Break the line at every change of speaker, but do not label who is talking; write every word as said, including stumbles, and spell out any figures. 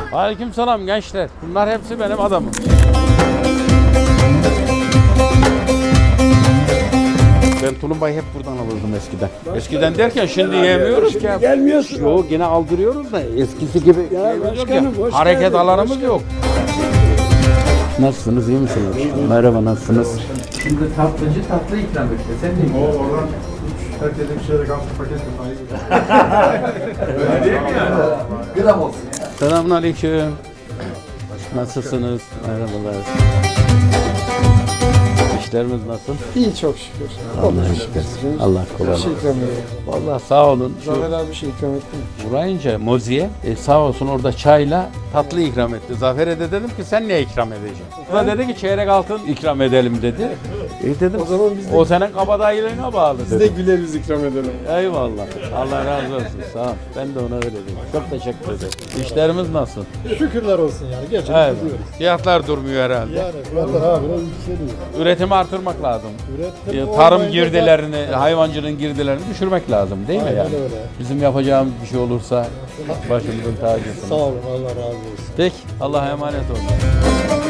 Aleykümselam gençler. Bunlar hepsi benim adamım. Ben tulumbayı hep buradan alırdım eskiden. Eskiden derken şimdi yemiyoruz ki.
Gelmiyorsun.
Yok yine aldırıyoruz da eskisi gibi
Ya
yemiyoruz
başkanım,
ki.
hoş
Hareket
geldin,
alanımız
hoş
yok. Nasılsınız, iyi misiniz? Merhaba, nasılsınız? Şimdi tatlıcı tatlı ikram etti. Sen de
O oradan herkese bir şeyle kalktı paket
Öyle değil mi yani? Gram olsun ya. Selamünaleyküm. Nasılsınız? Merhabalar. İşlerimiz nasıl?
İyi çok şükür.
Allah'a şükür. Allah
Bir
kolaylık.
şey ikram ediyor.
Vallahi sağ olun. Şu
Zafer abi bir şey ikram etti mi?
uğrayınca Mozi'ye e, sağ olsun orada çayla tatlı ikram etti. Zafer'e de dedim ki sen ne ikram edeceksin? O da dedi ki çeyrek altın ikram edelim dedi. E dedim
O zaman biz de-
o senin kabadayılığına bağlı
Biz de
dedim.
güleriz ikram edelim.
Eyvallah. Allah razı olsun. Sağ ol. Ben de ona vereceğim. Çok teşekkür ederim. İşlerimiz nasıl?
Şükürler olsun yani. Gerçekten
Evet. Fiyatlar durmuyor herhalde.
Yani fiyatlar abi biraz yükseliyor.
Üretimi artırmak lazım.
Üretim
E, Tarım
olmayınca da-
girdilerini, hayvancılığın girdilerini düşürmek lazım değil mi
Aynen
yani?
öyle.
Bizim yapacağımız bir şey olursa başımızın tacısınız.
Sağ olun Allah razı olsun.
Peki, Allah'a emanet olun.